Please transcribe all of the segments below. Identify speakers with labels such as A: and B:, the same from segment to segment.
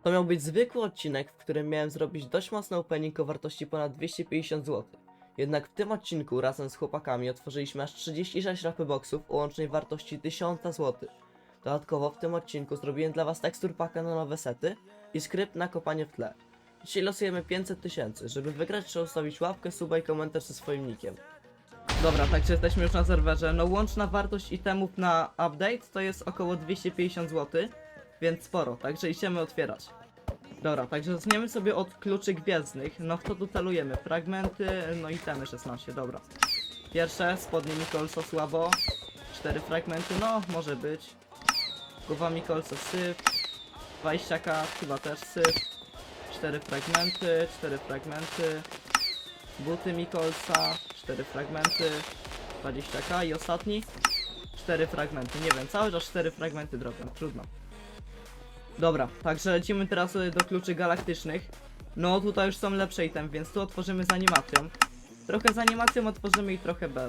A: To miał być zwykły odcinek, w którym miałem zrobić dość mocny opening o wartości ponad 250 zł. Jednak w tym odcinku razem z chłopakami otworzyliśmy aż 36 rapy boxów o łącznej wartości 1000 zł. Dodatkowo w tym odcinku zrobiłem dla was tekstur paka na nowe sety i skrypt na kopanie w tle. Dzisiaj losujemy 500 000. Żeby wygrać, trzeba ustawić łapkę, suba i komentarz ze swoim nickiem. Dobra, także jesteśmy już na serwerze. No łączna wartość itemów na update to jest około 250 zł, więc sporo, także idziemy otwierać. Dobra, także zaczniemy sobie od kluczy gwiezdnych. No w co tu celujemy? Fragmenty, no itemy 16, dobra. Pierwsze, spodnie Mikolsa słabo. 4 fragmenty, no może być. Głowa Mikolsa syf. 20k chyba też syf. 4 fragmenty, 4 fragmenty. Buty Mikolsa, 4 fragmenty. 20k i ostatni 4 fragmenty, nie wiem, cały czas 4 fragmenty drobią, trudno. Dobra, także lecimy teraz do kluczy galaktycznych. No tutaj już są lepsze item, więc tu otworzymy z animacją. Trochę z animacją otworzymy i trochę bez.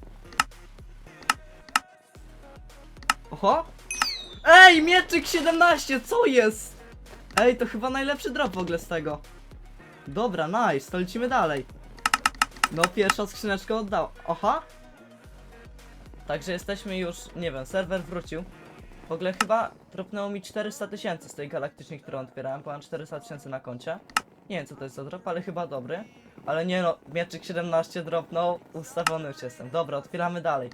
A: Oho! Ej, mieczyk 17, co jest? Ej, to chyba najlepszy drop w ogóle z tego. Dobra, nice, to lecimy dalej. No pierwsza skrzyneczka oddała. Aha! Także jesteśmy już, nie wiem, serwer wrócił. W ogóle chyba dropnęło mi 400 000 z tej galaktycznej, którą otwierałem, bo mam 400 000 na koncie. Nie wiem co to jest za drop, ale chyba dobry. Ale nie no, mieczyk 17 dropnął, ustawiony już jestem. Dobra, otwieramy dalej.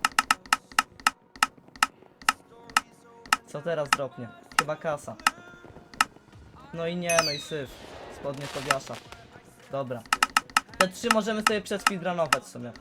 A: Co teraz dropnie? Chyba kasa. No i nie, no i syf. Spodnie Tobiasza. Dobra. Te 3 możemy sobie przespeedrunować w sumie.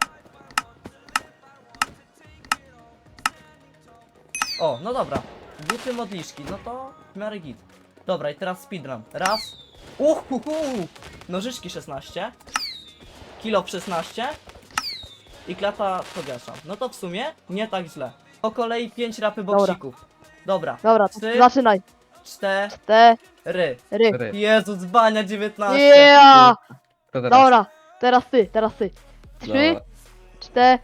A: O, no dobra. Buty modliszki, no to w miarę git. Dobra, i teraz speedrun. Raz. Nożyczki 16. Kilo 16. I klata Tobiasza. No to w sumie nie tak źle. Po kolei 5 rapy boksików. Dobra.
B: Dobra, to
A: 3,
B: zaczynaj.
A: 4.
B: 4.
A: Jezu, dzbania 19.
B: Yeah!
C: To teraz.
B: Dobra, teraz ty. 3,
C: Dobra.
B: 4.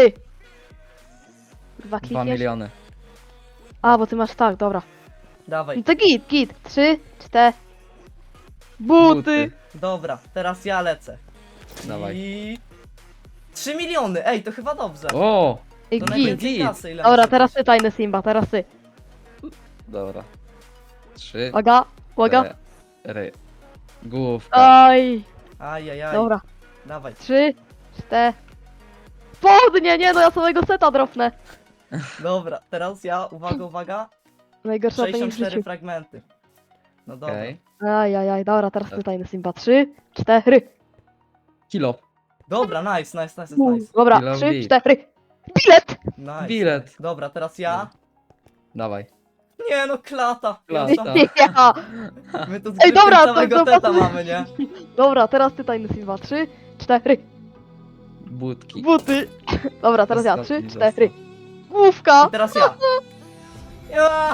B: Kurwa,
C: 2
B: klikniesz?
C: miliony.
B: A, bo ty masz tak, dobra.
A: Dawaj.
B: No to git. 3, 4. Buty.
A: Dobra, teraz ja lecę.
C: Dawaj.
A: I 3 miliony, ej, to chyba dobrze.
C: O!
B: Ej,
A: To
B: git.
A: najwięcej
C: Git.
A: kasy, ile
B: Dobra,
A: może
B: teraz
A: być.
B: ty, tajny Simba, teraz ty.
C: Dobra. 3,
B: Uwaga.
C: 4. Główka.
B: Aj.
A: Ajajaj.
B: Dobra,
A: Dawaj.
B: 3, 4. Spodnie, nie no, ja samego seta dropnę.
A: Dobra, teraz ja, uwaga.
B: Najgorsza to nie w
A: 64
B: życiu.
A: fragmenty. No dobra.
C: Okej.
B: Ajajaj, dobra, teraz ty, tajny Simba. 3, 4.
C: Kilo.
A: Dobra, nice.
B: Dobra,
C: Kilo
B: 3,
C: bit.
B: 4. Bilet!
A: Nice.
C: Bilet.
A: Dobra, teraz ja.
C: Dawaj.
A: Nie no, klata.
C: Klata.
B: Ja.
A: My tu
B: Ej, dobra,
A: całego
B: to
A: teta
B: pasuje.
A: mamy, nie?
B: Dobra, teraz ty, tajny Simba. 3, 4.
C: Budki.
B: Buty. Dobra, teraz ja. 3,
C: Ostatni
B: 4.
A: I
B: Główka.
A: teraz ja. Ja!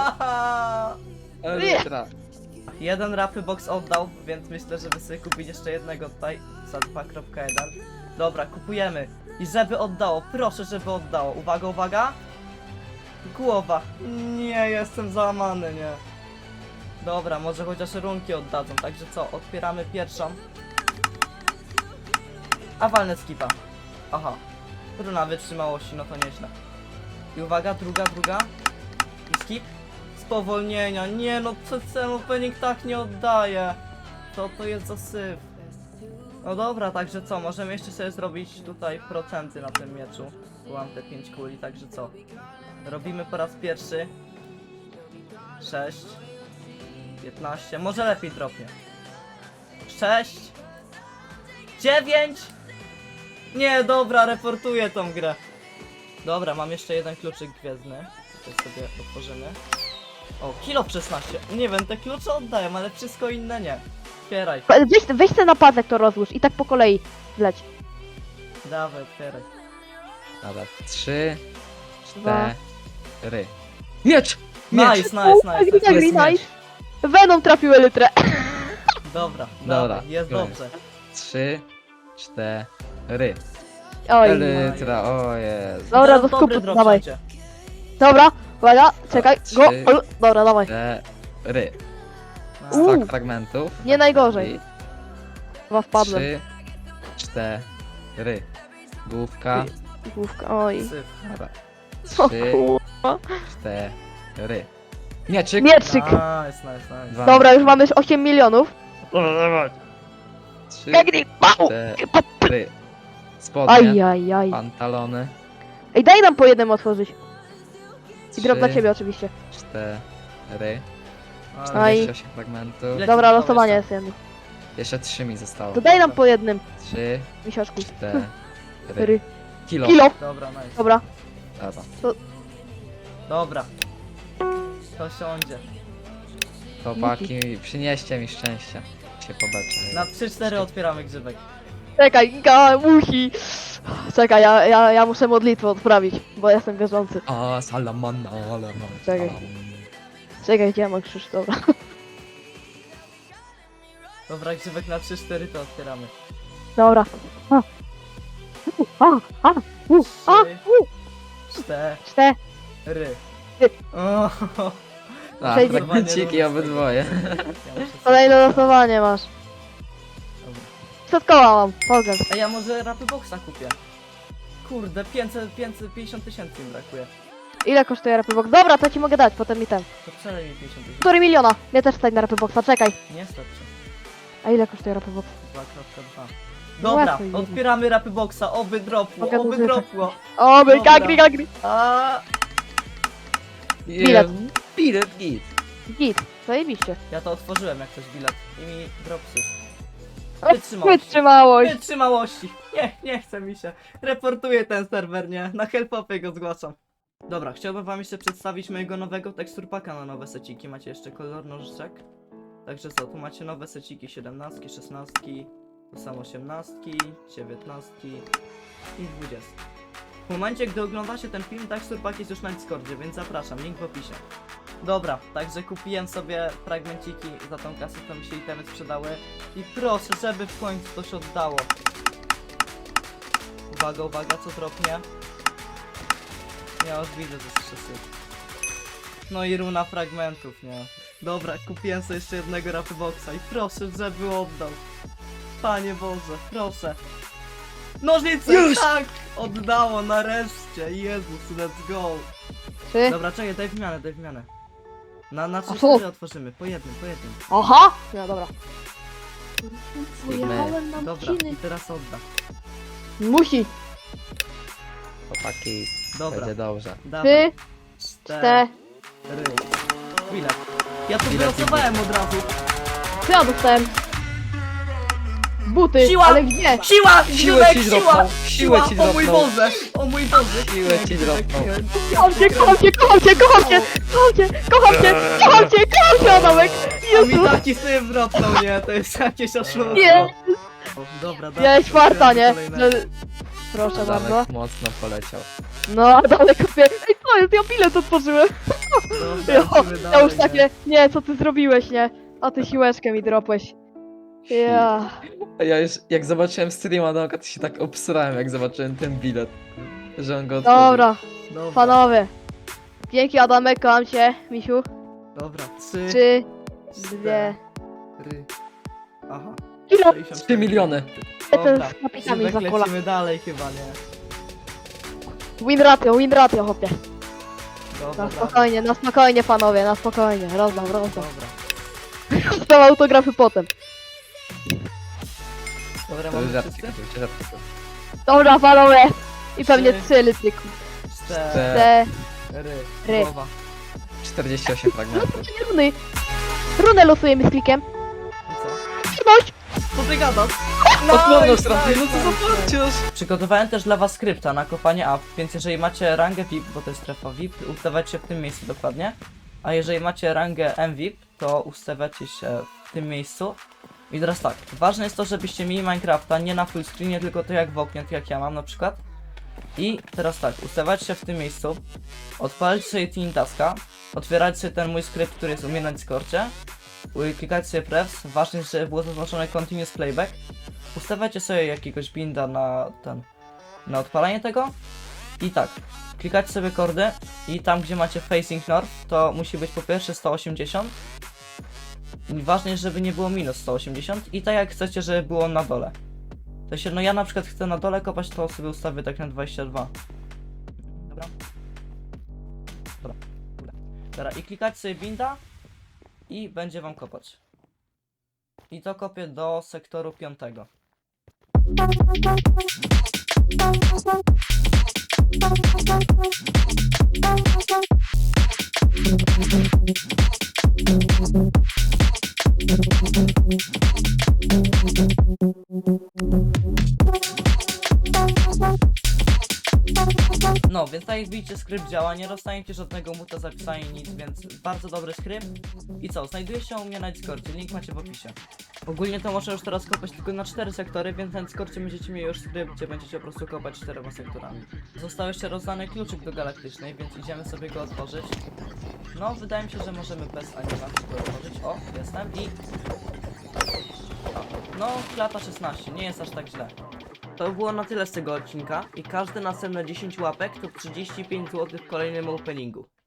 C: Elytra.
A: Jeden rapy box oddał, więc myślę, żeby sobie kupić jeszcze jednego tutaj za 2.1. Dobra, kupujemy. I żeby oddało, proszę, żeby oddało. Uwaga. Głowa. Nie, jestem załamany, nie. Dobra, może chociaż runki oddadzą, także co, otwieramy pierwszą. A walnę skipa. Aha. Runa wytrzymałości, no to nieźle. I uwaga, druga. I skip. Spowolnienia, nie no, ten opening tak nie oddaje. Co to jest za syf? No dobra, także co, możemy jeszcze sobie zrobić tutaj procenty na tym mieczu. Bo mam te 5 kuli, także co? Robimy po raz pierwszy 6 15, może lepiej dropnie 6 9. Nie, dobra, reportuję tą grę. Dobra, mam jeszcze jeden kluczyk gwiezdny. Tutaj sobie otworzymy. O, kilo 16. Nie wiem, te klucze oddają, ale wszystko inne nie. Otwieraj,
B: Weź ten napadek to rozłóż i tak po kolei wleć.
A: dawaj, otwieraj.
C: Dobra. 3,
B: Dwa.
C: 4. Miecz!
A: Nice.
B: Nice. Venom trafił elytrę.
A: Dobra,
C: Dobra,
A: dawaj, jest
C: koniec.
A: dobrze.
C: 3, 4.
B: Oj.
C: Elytra, o Jezu.
B: Dobra,
A: Teraz
B: do
A: dobry
B: skupu,
A: drop
B: dawaj.
A: będzie.
B: Dobra, uwaga, czekaj,
C: Trzy.
B: go. Dobra, dawaj.
C: 4.
B: Uuu.
C: Stak fragmentów.
B: Nie najgorzej. Chyba wpadłem.
C: 3, 4. Główka.
B: Główka, oj.
A: Syf.
C: Dobra.
B: O
C: 3,
B: kurwa.
C: 4. Mieczyk.
B: Mieczyk.
A: Nice.
C: Dwa.
B: Dobra, już mamy 8 milionów.
C: 3,
B: Biegnij! Au!
C: 4. Spodnie.
B: Ajajaj.
C: Pantalony.
B: Ej, daj nam po jednym otworzyć. I drop dla
C: 3,
B: ciebie oczywiście.
C: 4.
B: Aj.
C: 48 fragmentów.
A: Ile-
B: Dobra,
A: ci
B: losowanie
A: zostało
B: jest jedno.
C: Jeszcze 3 mi zostało.
B: To daj nam po jednym,
C: 3,
B: misiaczku.
C: 4.
B: Ry.
C: Kilo.
B: Kilo.
A: Dobra, nice.
B: Dobra.
C: Dobra.
A: Dobra. To siądzie.
C: Chłopaki, przynieście mi szczęścia. Się pobeczę.
A: Na 3-4 otwieramy grzybek.
B: Czekaj, musi. Czekaj, ja muszę modlitwę odprawić, bo jestem wierzący.
C: A, salamana,
B: Czekaj. Czekaj, gdzie ja mam krzyż? Dobra.
A: Dobra, grzybek na 3-4 to otwieramy.
B: Dobra. A. A.
A: 3,
B: 4.
A: 4.
B: Ty.
A: O,
C: A,
B: Przejdzie-
C: fragmenciki obydwoje.
A: ja muszę sobie-
B: Kolejne losowanie masz.
A: Dobra.
B: Przedkoła mam, pokaż.
A: A ja może rapy boxa kupię. Kurde, 550 tysięcy mi brakuje.
B: Ile kosztuje rapy box? Dobra, to ci mogę dać, potem mi ten.
A: To przelej mi 50 tysięcy.
B: 4 miliona. Mnie też stać na rapy boxa, czekaj.
A: Nie starczy.
B: A ile kosztuje rapy box?
A: 2.2.
B: No
A: Dobra,
B: łatwo idzie.
A: otwieramy rapy boxa, oby dropło,
B: Mogę
A: oby
B: używać.
A: dropło.
B: O, my
A: Dobra.
B: gagri.
A: A,
B: Bilet.
C: Bilet, git.
B: Git, zajebiście.
A: ja to otworzyłem jak coś bilet i mi dropsy.
B: O,
A: Wytrzymałość.
B: Wytrzymałość.
A: Wytrzymałości. Nie chce mi się. Reportuję ten serwer, nie? Na helpopie go zgłaszam. Dobra, chciałbym wam jeszcze przedstawić mojego nowego teksturpaka na nowe seciki. Macie jeszcze kolor nożyczek. Także co, tu macie nowe seciki 17, 16, tu są 18, 19 i 20. W momencie, gdy oglądacie ten film, teksturpak jest już na Discordzie, więc zapraszam, link w opisie. Dobra, także kupiłem sobie fragmenciki za tą kasę, to mi się itemy sprzedały. I proszę, żeby w końcu to się oddało. Uwaga, co dropnie? Ja już widzę, że jest syf. No i runa fragmentów, nie? Dobra, kupiłem sobie jeszcze jednego rapy boxa i proszę, żeby oddał. Panie Boże, proszę. Nożnice,
C: Już!
A: tak! Oddało, nareszcie, Jezus, let's go.
B: 3.
A: Dobra, czekaj, daj wymianę. Na
B: co?
A: 3-4 otworzymy, po jednym.
B: Aha! No dobra.
C: Sigmy.
B: Pojechałem na
A: Dobra,
B: odcinek.
A: i teraz odda.
B: Musi.
C: Chłopaki,
A: Dobra,
C: będzie dobrze.
A: dawaj.
B: 3,
A: 4.
B: 4.
A: Bilet. Ja to
C: Bilet i
A: wylosowałem od razu.
B: Co ja dostałem? Buty,
A: Siła!
B: ale gdzie?
A: Siła!
C: Siłę
A: Grzybek,
C: ci
A: siła!
C: dropnął, siłę ci
A: O mój
C: dropnął.
A: Boże! O mój Boże!
C: Siłę ci dropnął.
B: Kocham cię, kocham cię, kocham cię, kocham cię, kocham cię, kocham cię, kocham cię, kocham cię, Adamek!
A: A mi
B: Jezu!
A: taki sobie wrotnął, nie? To jest jakieś oszustwo.
B: Nie!
A: Dobra, dobra.
B: Miałeś farta, nie?
A: kolejne.
B: Że- Proszę bardzo.
C: Adamek mocno poleciał.
B: No, Adamek kupię. Ej, co jest? Ja bilet otworzyłem.
A: Dobra,
B: Ja,
A: lecimy
B: ja
A: dalej,
B: już takie, nie, co ty zrobiłeś, nie? A ty siłeczkę mi dropłeś. Ja.
C: A ja już, jak zobaczyłem streama Adamka, to się tak obsrałem, jak zobaczyłem ten bilet. Że on go otworzył.
B: Dobra,
A: Dobra,
B: panowie. Dzięki Adamek, kocham cię, misiu.
A: dobra. 3,
B: 3, 2.
A: 4. Aha.
B: Ile?
C: 3 miliony.
B: Ten z napitami
A: Grzybek,
B: za kola.
A: lecimy dalej chyba, nie?
B: Win ratio, chłopie.
A: Dobra,
B: Na spokojnie panowie, na spokojnie. Rozdam.
A: Dobra.
B: Rozdam autografy potem.
A: Dobra,
C: To już
A: mamy
C: żarty
A: wszyscy?
C: kupił, żarty kupił.
B: Dobra panowie. I pewnie
A: 3,
B: 3 lityku.
A: 4.
B: Ry.
A: Głowa.
C: 48 fragmentów.
B: Runy. Runę losujemy z klikiem.
A: I co?
B: Trudność.
A: Co ty gadasz?
C: Odmowną stronę, no co za parciarz!
A: Przygotowałem też dla was skrypta na kopanie up, więc jeżeli macie rangę VIP, bo to jest strefa VIP, ustawiacie się w tym miejscu dokładnie. A jeżeli macie rangę MVIP, to ustawiacie się w tym miejscu. I teraz tak, ważne jest to, żebyście mieli Minecrafta nie na full screenie, tylko to jak w oknie, tak jak ja mam na przykład. I teraz tak, ustawiacie się w tym miejscu, odpalić sobie Team Taska, otwierać sobie ten mój skrypt, który jest u mnie na Discordzie, klikać sobie prefs, ważne jest, żeby było zaznaczone Continuous Playback, ustawiacie sobie jakiegoś binda na odpalanie tego i tak, klikacie sobie kordy i tam gdzie macie facing north, to musi być po pierwsze 180 Ważne jest, żeby nie było minus 180 i tak jak chcecie, żeby było na dole. To sensie, no ja na przykład chcę na dole kopać, to sobie ustawię tak na 22. Dobra. Dobra. Dobra, i klikać sobie binda i będzie wam kopać. I to kopię do sektoru 5. No, więc tak jak widzicie, skrypt działa, nie dostaniecie żadnego muta zapisania nic, więc bardzo dobry skrypt. I co, znajduje się u mnie na Discordzie, link macie w opisie. Ogólnie to można już teraz kopać tylko na 4 sektory, więc na Discordzie będziecie mieli już skrypt, gdzie będziecie po prostu kopać 4 sektorami. Został jeszcze rozdany kluczyk do galaktycznej, więc idziemy sobie go otworzyć. No, wydaje mi się, że możemy bez animacji go otworzyć. O, jestem i... No, klata 16, nie jest aż tak źle. To było na tyle z tego odcinka i każde następne 10 łapek to 35 zł w kolejnym openingu.